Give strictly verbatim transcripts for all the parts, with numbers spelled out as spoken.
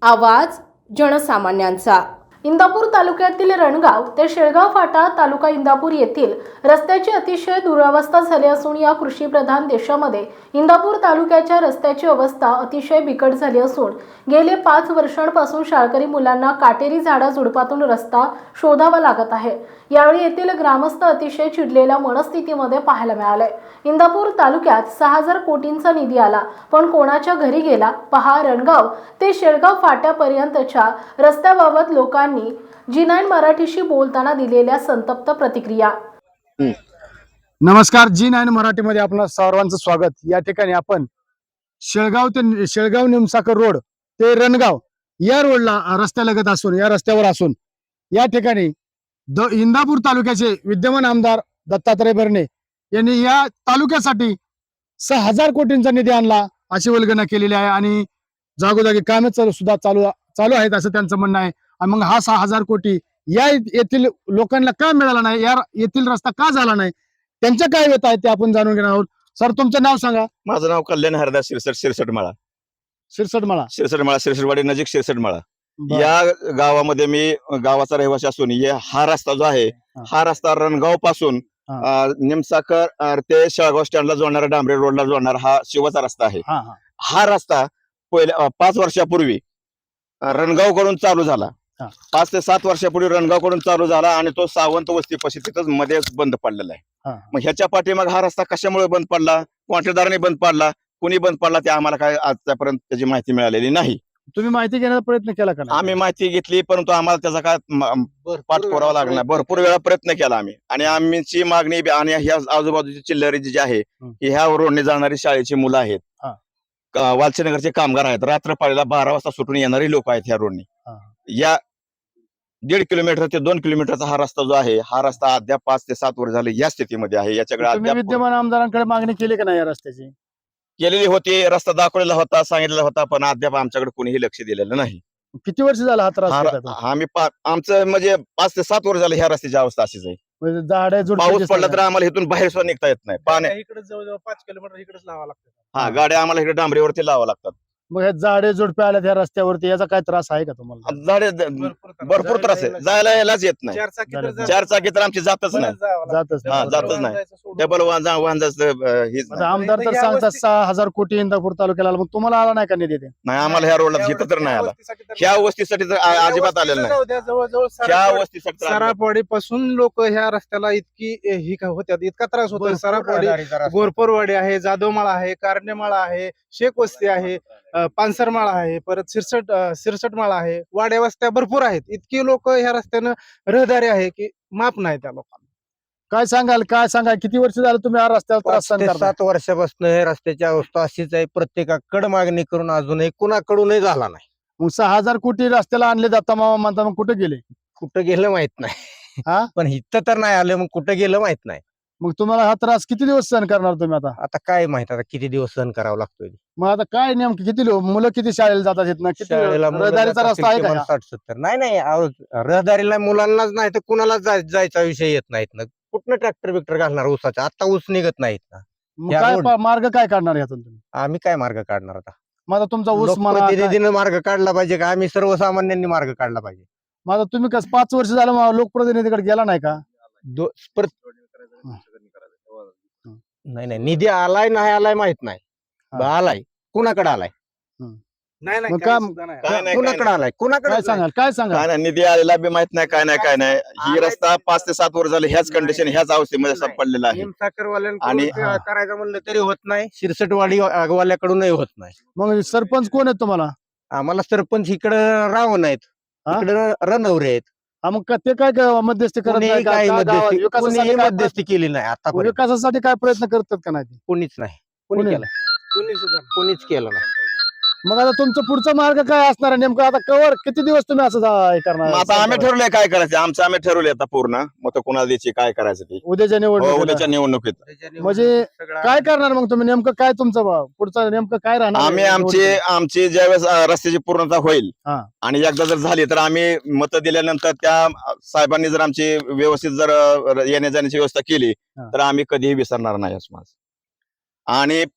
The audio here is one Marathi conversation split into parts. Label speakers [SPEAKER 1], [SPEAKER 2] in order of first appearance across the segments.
[SPEAKER 1] आवाज जनसामान्यांचा। इंदापूर तालुक्यातील रणगाव ते शेळगाव फाटा तालुका इंदापूर येथील रस्त्याची अतिशय दुरावस्था झाली असून या कृषीप्रधान देशामध्ये इंदापूर तालुक्याच्या रस्त्याची अवस्था अतिशय बिकट झाली असून गेले पाच वर्षांपासून शाळकरी मुलांना काटेरी झाडा झुडपातून रस्ता शोधावा लागत आहे। यावेळी येथील ग्रामस्थ अतिशय चिडलेल्या मनस्थितीमध्ये पाहायला मिळाले। इंदापूर तालुक्यात सहा हजार कोटींचा निधी आला, पण कोणाच्या घरी गेला? पहा रणगाव ते शेळगाव फाट्यापर्यंतच्या रस्त्याबाबत लोकांनी जी नाईन मराठीशी बोलताना दिलेल्या संतप्त प्रतिक्रिया।
[SPEAKER 2] नमस्कार, जी नाईन मराठीमध्ये आपलं सर्वांचं स्वागत। या ठिकाणी आपण शेळगाव ते शेळगाव निमसाकर रोड ते रणगाव या रोडला रस्त्यालगत असून या रस्त्यावर असून या ठिकाणी द इंदापूर तालुक्याचे विद्यमान आमदार दत्तात्रय भरणे यांनी या तालुक्यासाठी सहा हजार कोटींचा निधी आणला अशी वल्गना केलेली आहे आणि जागोजागी कामे सुद्धा चालू चालू आहेत असं त्यांचं म्हणणं आहे। आणि मग हा सहा हजार कोटी या येथील लोकांना का मिळाला नाही, या येथील रस्ता का झाला नाही, त्यांच्या काय व्यथा आहेत ते आपण जाणून घेणार आहोत। सर, तुमचं नाव सांगा।
[SPEAKER 3] माझं नाव कल्याण हरदास शिरसट शिरसटमाळा
[SPEAKER 2] शिरसटमाळा
[SPEAKER 3] शिरसटमाळा शिरसटवाडी नजीक शिरसटमाळा या गावामध्ये मी गावाचा रहिवासी असून हा रस्ता जो आहे हा रस्ता रणगाव पासून निमसाकर ते शेळगाव स्टँडला जोडणारा डांबरे रोडला जोडणारा हा शिवाचा रस्ता आहे। हा रस्ता पहिल्या पाच वर्षापूर्वी रणगाव कडून चालू झाला, पाच ते सात वर्षापूर्वी रणगाव कडून चालू झाला आणि तो सावंत वस्तीपाशी तिथंच मध्ये बंद पडलेला आहे। मग ह्याच्या पाठीमाग हा रस्ता कशामुळे बंद पडला, कॉन्ट्रॅक्टरने बंद पडला, कोणी बंद पडला ते आम्हाला काय आजपर्यंत त्याची माहिती मिळालेली नाही।
[SPEAKER 2] तुम्ही माहिती घेण्याचा प्रयत्न केला का?
[SPEAKER 3] आम्ही माहिती घेतली, परंतु आम्हाला त्याचा काय पाठपुरावा लागला, भरपूर वेळा प्रयत्न केला आम्ही। आणि आमची मागणी आणि ह्या आजूबाजूची चिल्लरी जी आहे ह्या रोडने जाणारी शाळेची मुलं आहेत, वालचीनगरचे कामगार आहेत, रात्र पाळीला बारा वाजता सुटून येणारी लोक आहेत ह्या रोडने। या दीड किलोमीटर ते दोन किलोमीटरचा हा रस्ता जो आहे हा रस्ता अद्याप पाच ते सात वर्ष झाले या स्थितीमध्ये आहे। याच्याकडे
[SPEAKER 2] विद्यमान आमदारांकडे मागणी केली का नाही या रस्त्याची?
[SPEAKER 3] केलेली होती, रस्ता दाखवलेला होता, सांगितलेला होता, पण अद्याप आमच्याकडे कोणीही लक्ष दिलेलं नाही।
[SPEAKER 2] किती वर्ष झाला हा त्रास?
[SPEAKER 3] आम्ही आमचं म्हणजे पाच ते सात वर्ष झाले ह्या रस्त्याची अवस्था अशीच आहे। पाऊस पडला तर आम्हाला इथून बाहेर सुद्धा निघता येत नाही, पाण्या
[SPEAKER 4] इकडे जवळजवळ पाच किलोमीटर इकडेच लावा लागतं।
[SPEAKER 3] हा, गाड्या आम्हाला इकडे डांबरीवरती लावा लागतात।
[SPEAKER 2] मग हे झाडे झुडपे आल्या त्या रस्त्यावरती, याचा काय त्रास आहे का तुम्हाला?
[SPEAKER 3] झाडे भरपूर त्रास आहे, जायला यायलाच येत नाही। चार चाकी तर आमची जातच नाही,
[SPEAKER 2] जातच
[SPEAKER 3] हा जातच नाही। डबल वाहन वाहन
[SPEAKER 2] आमदार तर सांगतात सहा हजार कोटी इंदापूर तालुक्याला, मग तुम्हाला आला नाही का निधी?
[SPEAKER 3] नाही, आम्हाला ह्या रोडला इथं तर नाही आला, ह्या वस्तीसाठी तर अजिबात आलेलं नाही।
[SPEAKER 4] जवळजवळ
[SPEAKER 3] ह्या वस्तीसाठी
[SPEAKER 4] सरापवाडी पासून लोक ह्या रस्त्याला इतकी ही होत्या, इतका त्रास होतो। सरापवाडी, गोरपूरवाडी आहे, जाधवमाळा आहे, कारंडेमाळा आहे, शेख वस्ती आहे, पानसरमाळा आहे, परत सिरसट सिरसटमाळा आहे, वाड्या वस्त्या भरपूर आहेत। इतकी लोक ह्या रस्त्यानं रहदारी आहे की माप नाही त्या लोकांना।
[SPEAKER 2] काय सांगाल, काय सांगाल किती वर्ष झालं तुम्ही हा रस्त्यावर त्रास सहन करताय?
[SPEAKER 5] सात वर्षापासून हे रस्त्याची अवस्था अशीच आहे, प्रत्येकाकडे मागणी करून अजूनही कुणाकडूनही झाला नाही।
[SPEAKER 2] मग सहा हजार कोटी रस्त्याला आणले जाता मामा म्हणता, मग कुठे गेले?
[SPEAKER 5] कुठं गेलं माहित नाही,
[SPEAKER 2] हा
[SPEAKER 5] पण इथं तर नाही आलं, मग कुठं गेलं माहित नाही।
[SPEAKER 2] मग तुम्हाला हा त्रास किती दिवस सहन करणार तुम्ही आता?
[SPEAKER 5] आता काय माहित आता किती दिवस सहन करावा लागतोय।
[SPEAKER 2] मग आता काय नेमकं किती लो- मुलं किती शाळेला जातात इथनं? किती
[SPEAKER 5] शाळेला मुलं
[SPEAKER 2] रहदारीचा
[SPEAKER 5] जात
[SPEAKER 2] रस्ता आहे
[SPEAKER 5] असतील
[SPEAKER 2] का?
[SPEAKER 5] साठ सत्तर नाही नाही अहो, रहदारीला मुलांनाच नाही तर कुणालाच जाय- जायचा विषय येत नाहीत ना। कुठनं ट्रॅक्टर बिक्टर घालणार ऊसाचा? आता ऊस निघत नाहीत ना।
[SPEAKER 2] मग
[SPEAKER 5] या
[SPEAKER 2] काय
[SPEAKER 5] रोड-
[SPEAKER 2] पा- मार्ग काय काढणार यातून तुम्ही?
[SPEAKER 5] आम्ही काय मार्ग काढणार आता?
[SPEAKER 2] मग आता तुमचा ऊस म्हणा काय-
[SPEAKER 5] लोकप्रतिनिधीनं मार्ग काढला पाहिजे का आम्ही सर्वसामान्यांनी मार्ग काढला पाहिजे?
[SPEAKER 2] मग आता तुम्ही कसं पाच वर्ष झालं मग लोकप्रतिनिधीकडे गेला नाही का?
[SPEAKER 5] दो- पर- नाही नाही निधी आलाय नाही आलाय माहित नाही,
[SPEAKER 2] हा.
[SPEAKER 5] आलाय कुणाकडे आलाय,
[SPEAKER 4] नाही नाही,
[SPEAKER 2] मग
[SPEAKER 4] काही
[SPEAKER 2] काम-
[SPEAKER 4] सुद्धा नाही।
[SPEAKER 3] काय नाही,
[SPEAKER 5] कुणाकडे आलाय,
[SPEAKER 2] काय
[SPEAKER 5] कुणाकडे
[SPEAKER 2] सांगाल, काय सांगाल?
[SPEAKER 3] काय नाही, निधी आलेला बी माहित नाही, काय नाही काय नाही। ही रस्ता पाच ते सात वर्ष झाले ह्याच कंडिशन ह्याच अवस्थेमध्ये असा पडलेला आहे।
[SPEAKER 5] साखरवाल्यांकडून
[SPEAKER 3] आणि-
[SPEAKER 5] करायचं म्हणलं तरी होत नाही, शिरसटवाडी वाल्याकडूनही होत नाही।
[SPEAKER 2] मग सरपंच कोण आहेत तुम्हाला?
[SPEAKER 5] आम्हाला सरपंच इकडं रावण आहेत,
[SPEAKER 2] हा?
[SPEAKER 5] इकडं रणवरे आहेत,
[SPEAKER 2] हा, मग का- ते काय काय मध्यस्थी करत
[SPEAKER 5] कोणीही
[SPEAKER 2] नाही का?
[SPEAKER 5] काही
[SPEAKER 2] का गावात
[SPEAKER 5] मध्यस्थी
[SPEAKER 2] विकासासाठी
[SPEAKER 5] कोणीही
[SPEAKER 2] काय
[SPEAKER 5] मध्यस्थी केली नाही
[SPEAKER 2] प्रयत्न-
[SPEAKER 5] आता
[SPEAKER 2] विकासासाठी काय प्रयत्न करतात का नाही ते?
[SPEAKER 5] कोणीच नाही, कोणी
[SPEAKER 2] कोणी?
[SPEAKER 5] केलं
[SPEAKER 4] कोणी सुद्धा नाही।
[SPEAKER 5] कोणीच केलं नाही।
[SPEAKER 2] मग आता तुमचा पुढचा मार्ग काय असणार आहे नेमकं? आता कवर किती दिवस तुम्ही असं जा- हे
[SPEAKER 3] मग
[SPEAKER 2] करणार?
[SPEAKER 3] आता आम्ही ठरवलंय काय करायचं, आमचं आम्ही ठरवले आता पूर्ण मत कोणाला द्यायची, काय करायचं ते
[SPEAKER 2] उद्याच्या
[SPEAKER 3] हो,
[SPEAKER 2] निवडणुकीला
[SPEAKER 3] उद्याच्या निवडणुकीत
[SPEAKER 2] म्हणजे काय करणार मग तुम्ही नेमकं? काय तुमचं भाव पुढचं नेमकं काय राहणार?
[SPEAKER 3] आम्ही आमची आमची ज्यावेळेस अं, रस्त्याची पूर्णता होईल
[SPEAKER 2] हा.
[SPEAKER 3] आणि एकदा जर झाली तर आम्ही मत दिल्यानंतर त्या साहेबांनी जर आमची व्यवस्थित जर अं, येण्या जाण्याची व्यवस्था केली
[SPEAKER 2] हा.
[SPEAKER 3] तर आम्ही कधीही विसरणार नाही असं माझं। आणि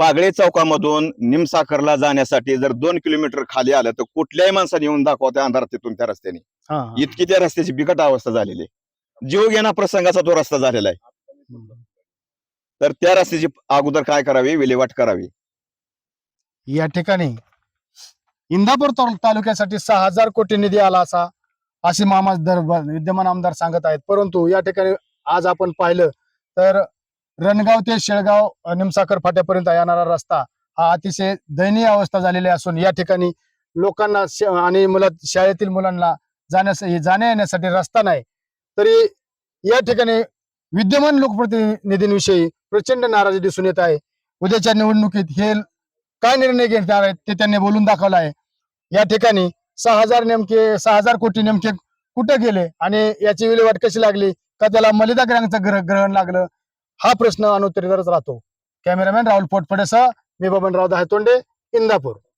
[SPEAKER 3] पागळे चौकामधून निमसाखरला जाण्यासाठी जर दोन किलोमीटर खाली आलं तर कुठल्याही माणसाने येऊन दाखवा त्या अंधारात तिथून त्या रस्त्याने.
[SPEAKER 2] हा, हा.
[SPEAKER 3] इतकी त्या रस्त्याची बिकट अवस्था झालेली आहे. जीव घेणा प्रसंगाचा तो रस्ता झालेला आहे. तर त्या रस्त्याची अगोदर काय करावी, विल्हेवाट करावी.
[SPEAKER 2] या ठिकाणी इंदापूर तालु- तालुक्यासाठी सहा हजार कोटी निधी आला असा असे मामा दर विद्यमान आमदार सांगत आहेत. परंतु या ठिकाणी आज आपण पाहिलं तर रणगाव ते शेळगाव अ, निमसाखर फाट्यापर्यंत येणारा रस्ता हा अतिशय दयनीय अवस्था झालेली असून या ठिकाणी लोकांना श- आणि मुला शाळेतील मुलांना जाण्यास जाण्या येण्यासाठी रस्ता नाही. तरी या ठिकाणी विद्यमान लोकप्रतिनिधींविषयी प्रचंड नाराजी दिसून येत आहे. उद्याच्या निवडणुकीत हे काय निर्णय घेणार आहेत ते त्यांनी बोलून दाखवलं आहे. या ठिकाणी सहा हजार नेमके सहा हजार कोटी नेमके कुठे गेले आणि याची विल्हेवाट कशी लागली, का त्याला मलिदा ग्रहांचं ग्रह ग्रहण लागलं, हा प्रश्न अनुत्तरितच राहतो. कॅमेरामॅन राहुल पोटफडेसह मी बबनराव दहातोंडे, इंदापूर.